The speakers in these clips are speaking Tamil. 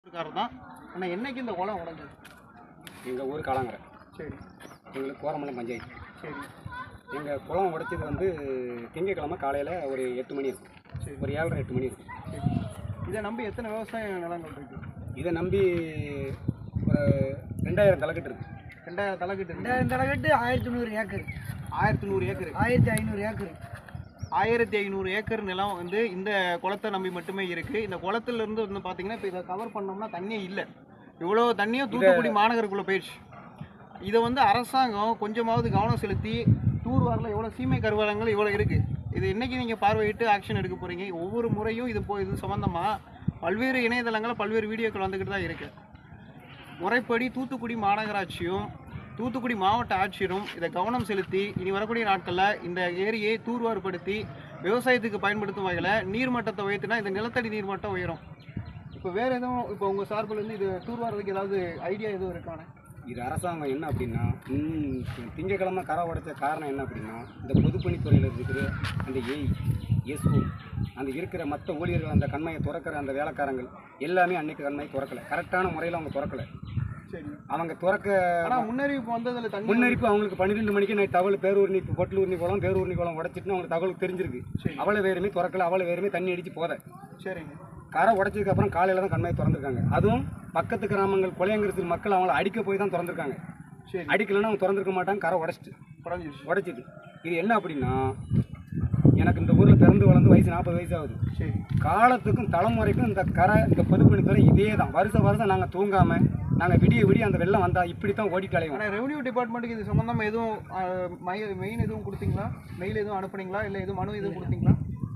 தான். ஆனால் என்னைக்கு இந்த குளம் உடஞ்சது? எங்கள் ஊர் காலாங்கரை. சரி. எங்களுக்கு கோரமலை பஞ்சாயத்து. சரி. எங்கள் குளம் உடைச்சது வந்து திங்கக்கிழமை காலையில் ஒரு 8 மணி இருக்கும். சரி. ஒரு 7:30 8 மணி இருக்கும். சரி. இதை நம்பி எத்தனை விவசாய நிலங்கள் இருக்குது? இதை நம்பி ஒரு 2000 தலைக்கட்டு இருக்குது. 2000 தலைக்கட்டு. 2000 தலைக்கட்டு 1100 ஏக்கர். 1100 ஏக்கர். 1500 ஏக்கர். 1500 ஏக்கர் நிலம் வந்து இந்த குளத்தை நம்பி மட்டுமே இருக்குது. இந்த குளத்துலேருந்து வந்து பார்த்தீங்கன்னா இப்போ இதை கவர் பண்ணோம்னா தண்ணியே இல்லை. இவ்வளோ தண்ணியும் தூத்துக்குடி மாநகருக்குள்ளே போயிடுச்சு. இதை வந்து அரசாங்கம் கொஞ்சமாவது கவனம் செலுத்தி தூர்வாரில் எவ்வளோ சீமை கருவலங்கள் இவ்வளோ இருக்குது. இது இன்றைக்கி நீங்கள் பார்வையிட்டு ஆக்ஷன் எடுக்க போகிறீங்க. ஒவ்வொரு முறையும் இது சம்மந்தமாக பல்வேறு இணையதளங்களில் பல்வேறு வீடியோக்கள் வந்துக்கிட்டு தான் இருக்குது. முறைப்படி தூத்துக்குடி மாநகராட்சியும் தூத்துக்குடி மாவட்ட ஆட்சியரும் இதை கவனம் செலுத்தி இனி வரக்கூடிய நாட்களில் இந்த ஏரியை தூர்வார்படுத்தி விவசாயத்துக்கு பயன்படுத்தும் வகையில் நீர்மட்டத்தை உயர்த்தினா இந்த நிலத்தடி நீர்மட்டம் உயரும். இப்போ வேறு எதுவும் இப்போ உங்கள் சார்பிலேருந்து இது தூர்வாரதுக்கு ஏதாவது ஐடியா எதுவும் இருக்கானே? இது அரசாங்கம் என்ன அப்படின்னா திங்கக்கிழமை கரை உடைச்ச காரணம் என்ன அப்படின்னா இந்த பொதுப்பணித்துறையில் இருக்கிற அந்த எஸ்ஓ அந்த இருக்கிற மற்ற ஊழியர்கள் அந்த கண்மையை திறக்கிற அந்த வேலைக்காரங்கள் எல்லாமே அன்னைக்கு கண்மையை திறக்கலை. கரெக்டான முறையில் அவங்க திறக்கலை. சரி. அவங்க திறக்க ஆனால் முன்னறிவிப்பு வந்ததில் முன்னறிவிப்பு அவங்களுக்கு 12 மணிக்கு நைட் தகவல் பேரூர்னி பொட்டலூர்னி குளம் பேரூர்னி குளம் உடைச்சிட்டுன்னு அவங்களுக்கு தகவல் தெரிஞ்சிருக்கு. அவ்வளோ வேறுமே திறக்கலை. அவ்வளோ வேறுமே தண்ணி அடித்து போத. சரிங்க. கரை உடைச்சதுக்கு அப்புறம் காலையில் தான் கண்மையை திறந்துருக்காங்க. அதுவும் பக்கத்து கிராமங்கள் கொலையங்கிறது மக்கள் அவங்கள அடிக்க போய் தான் திறந்துருக்காங்க. சரி. அடிக்கலைன்னா அவங்க திறந்துருக்க மாட்டாங்க. கரை உடைச்சிட்டு இது என்ன அப்படின்னா எனக்கு இந்த ஊரில் பிறந்து வளர்ந்து வயசு 40 வயசு ஆகுது. சரி. காலத்துக்கும் தலைமுறைக்கும் இந்த கரை இந்த பொதுப்பணித்துறை இதே தான். வருஷம் நாங்கள் தூங்காமல் நாங்கள் விடிய அந்த வெள்ளம் வந்தால் இப்படி தான் ஓடிட்டு அலைவோம். ஆனால் ரெவன்யூ டிபார்ட்மெண்ட்டுக்கு இது சம்மந்தமாக எதுவும் மெயின் எதுவும் கொடுத்தீங்களா? மெயில் எதுவும் அனுப்புனீங்களா? இல்லை எதுவும் மனு எதுவும் கொடுத்தீங்களா?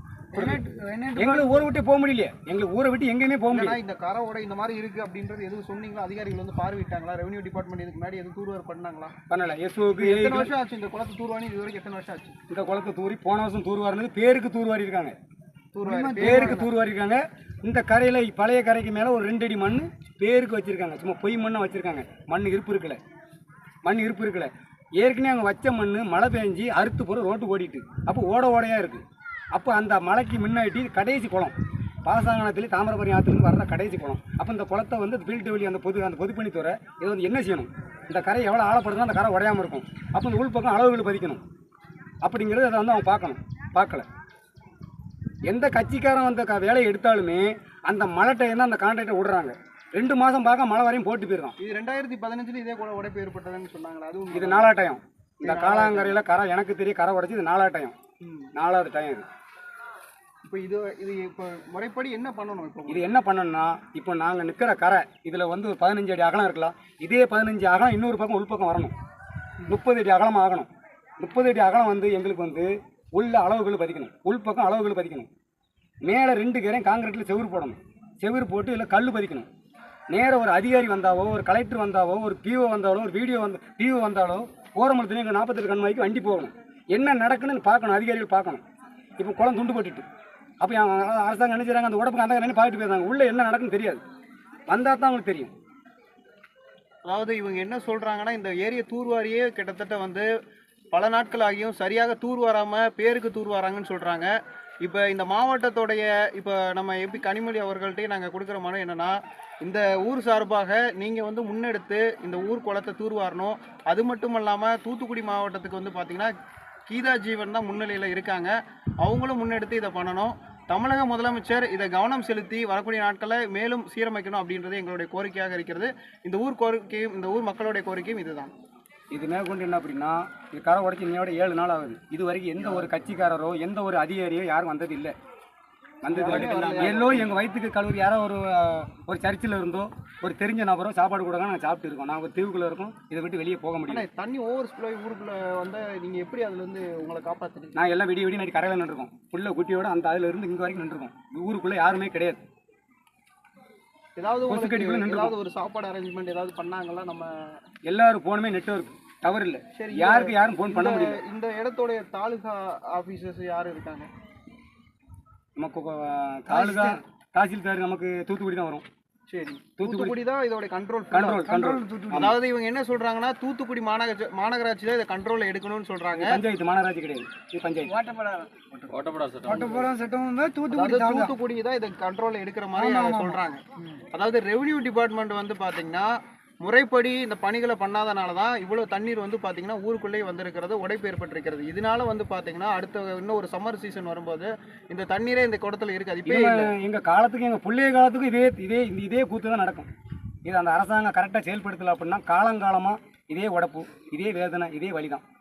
எங்களுக்கு ஊரை விட்டு போக முடியலையே. எங்களுக்கு ஊரை விட்டு எங்கேயுமே போக முடியல. இந்த கரோட இந்த மாதிரி இருக்குது அப்படின்றது எதுவும் சொன்னீங்களா? அதிகாரிகள் வந்து பார்வையிட்டாங்களா? ரெவன்யூ டிபார்ட்மெண்ட் இதுக்கு முன்னாடி எதுவும் தூர்வார் பண்ணாங்களா? பண்ணல. எஸ்ஓக்கு எத்தனை வருஷம் ஆச்சு இந்த குளத்தை தூர்வாரி? இது வரைக்கும் எத்தனை வருஷம் ஆச்சு இந்த குளத்தை தூரி? போன வருஷம் தூர்வாரினது பேருக்கு தூர்வாரி இருக்காங்க. பேருக்கு தூர்வாரி இருக்காங்க. இந்த கரையில் பழைய கரைக்கு மேலே ஒரு 2 அடி மண் பேருக்கு வச்சுருக்காங்க. சும்மா பொய் மண்ணை வச்சுருக்காங்க. மண் இருப்பு இருக்கலை. ஏற்கனவே அங்கே வச்ச மண் மழை பெஞ்சு அறுத்து போகிற ரோட்டு ஓடிட்டு அப்போ ஓடையாக இருக்குது. அப்போ அந்த மலைக்கு முன்னாடி கடைசி குளம் பாசாங்கனத்துலேயும் தாமிரபரணி ஆற்றுலேருந்து வர்ற கடைசி குளம். அப்போ இந்த குளத்தை வந்து ஃபீல்டு வழி அந்த பொதுப்பணித்துறை இதை வந்து என்ன செய்யணும்? இந்த கரை எவ்வளோ ஆழப்படுதுன்னா அந்த கரை உடையாமல் இருக்கும். அப்போ இந்த உள்பக்கம் அளவுகள் பதிக்கணும் அப்படிங்கிறது அதை வந்து அவங்க பார்க்கல. எந்த கட்சிக்காரன் அந்த வேலையை எடுத்தாலுமே அந்த மழை டைம் தான் அந்த கான்ட்ராக்டை விடுறாங்க. 2 மாதம் பார்க்க மழை வரையும் போட்டு போயிடுறான். இது 2015 இதே கூட உடைப்பு ஏற்பட்டதுன்னு சொன்னாங்களா? அதுவும் இது 4ஆவது டைம். இந்த காலாங்கரையில் கரை எனக்கு தெரிய கரை உடைச்சி இது 4ஆவது டைம். 4ஆவது டைம் இது. இப்போ இது இப்போ முறைப்படி என்ன பண்ணணும்? இப்போ இது என்ன பண்ணணும்னா இப்போ நாங்கள் நிற்கிற கரை இதில் வந்து ஒரு 15 அடி அகலம் இருக்கலாம். இதே 15 அகலம் இன்னொரு பக்கம் உள்பக்கம் வரணும். 30 அடி அகலம் ஆகணும். 30 அடி அகலம் வந்து எங்களுக்கு வந்து உள்ள அளவுகள் பதிக்கணும். உள்பக்கம் அளவுகள் பதிக்கணும். மேலே 2 கரையும் காங்கிரீட்டில் செவுறு போடணும். செவுறு போட்டு இல்லை கல் பதிக்கணும். நேராக ஒரு அதிகாரி வந்தாவோ ஒரு கலெக்டர் வந்தாவோ ஒரு பிஓ வந்தாலோ ஒரு பிஓ வந்தாலோ ஓரமலத்துலேயும் எங்கள் 48 கண்மாய்க்கு வண்டி போகணும். என்ன நடக்குன்னு பார்க்கணும். அதிகாரிகள் பார்க்கணும். இப்போ குளம் துண்டு போட்டுட்டு அப்போ அரசாங்கம் என்ன செய்கிறாங்க? அந்த உடம்புக்கு அந்த கண்ணி பார்த்துட்டு போயிருந்தாங்க. உள்ளே என்ன நடக்குன்னு தெரியாது. வந்தால் தான் அவங்களுக்கு தெரியும். அதாவது இவங்க என்ன சொல்கிறாங்கன்னா இந்த ஏரியை தூர்வாரியே கிட்டத்தட்ட வந்து பல நாட்கள் ஆகியும் சரியாக தூர்வாராமல் பேருக்கு தூர்வாராங்கன்னு சொல்கிறாங்க. இப்போ இந்த மாவட்டத்தோடைய இப்போ நம்ம எப்படி கனிமொழி அவர்கள்ட்டே நாங்கள் கொடுக்குற மனு என்னென்னா இந்த ஊர் சார்பாக நீங்கள் வந்து முன்னெடுத்து இந்த ஊர் குளத்தை தூர்வாரணும். அது மட்டும் இல்லாமல் தூத்துக்குடி மாவட்டத்துக்கு வந்து பார்த்திங்கன்னா கீதா ஜீவன் தான் முன்னிலையில் இருக்காங்க. அவங்களும் முன்னெடுத்து இதை பண்ணணும். தமிழக முதலமைச்சர் இதை கவனம் செலுத்தி வரக்கூடிய நாட்களை மேலும் சீரமைக்கணும் அப்படின்றது எங்களுடைய கோரிக்கையாக இருக்கிறது. இந்த ஊர் மக்களுடைய கோரிக்கையும் இதுதான். இது மேற்கொண்டு என்ன அப்படின்னா இது கரை உடைச்சி இன்னையோட 7 நாள் ஆகுது. இது வரைக்கும் எந்த ஒரு கட்சிக்காரரோ எந்த ஒரு அதிகாரியோ யாரும் வந்தது இல்லை. எல்லோரும் எங்கள் வயிற்றுக்கு கல்லூரி யாரோ ஒரு சர்ச்சில் இருந்தோ ஒரு தெரிஞ்ச நபரோ சாப்பாடு கொடுங்க நாங்கள் சாப்பிட்டு இருக்கோம். நாங்கள் ஒரு தீவுக்குள்ளே இருக்கோம். இதை விட்டு வெளியே போக முடியும். தண்ணி ஓவர் ஸ்ப்ளோ ஊருக்குள்ளே வந்து நீங்கள் எப்படி அதுலேருந்து உங்களை காப்பாற்றுறீங்க? நான் எல்லாம் விடிய நைட்டு கரையில் நின்றுருக்கோம். புள்ள குட்டியோட அந்த அதில் இருந்து இங்கே வரைக்கும் நின்றுருக்கோம். ஊருக்குள்ளே யாருமே கிடையாது. ஏதாவது ஒரு சாப்பாடு அரேஞ்ச்மெண்ட் ஏதாவது பண்ணாங்களா? நம்ம எல்லாரும் போனுமே நெட்வொர்க் டவர் இல்லை. சரி, யாரும் ஃபோன் பண்ண முடியல. இந்த இடத்தோடைய தாலுகா ஆஃபீஸர்ஸ் யார் இருக்காங்க? நமக்கு தாலுகா தாசில்தார் நமக்கு தூத்துக்குடி தான் வரும். சரி, தூத்துக்குடி தான் இதோட கண்ட்ரோல். கண்ட்ரோல் அதாவது இவங்க என்ன சொல்றாங்கன்னா தூத்துக்குடி மாநகராட்சி தான் இதை கண்ட்ரோல்ல எடுக்கணும்னு சொல்றாங்க. பஞ்சாயத்து மாநகராட்சி கிடையாது, இது பஞ்சாயத்து. ஓட்டப்படாத சட்டம் வந்து தூத்துக்குடி அதாவது தூத்துக்குடி தான் இதை கண்ட்ரோல்ல எடுக்கிற மாதிரி சொல்றாங்க. அதாவது ரெவென்யூ டிபார்ட்மெண்ட் வந்து பாத்தீங்கன்னா முறைப்படி இந்த பணிகளை பண்ணாதனால தான் இவ்வளவு தண்ணீர் வந்து பாத்தீங்கன்னா ஊருக்குள்ளேயே வந்திருக்கிறது, உடைப்பு ஏற்பட்டிருக்கிறது. இதனால வந்து பாத்தீங்கன்னா அடுத்த இன்னும் ஒரு சம்மர் சீசன் வரும்போது இந்த தண்ணீரே இந்த குடத்துல இருக்காது. இப்போ எங்க காலத்துக்கு எங்க பிள்ளைய காலத்துக்கும் இதே கூத்து தான் நடக்கும். இது அந்த அரசாங்கம் கரெக்டாக செயல்படுத்தலை அப்படின்னா காலங்காலமாக இதே உடப்பு, இதே வேதனை, இதே வலி தான்.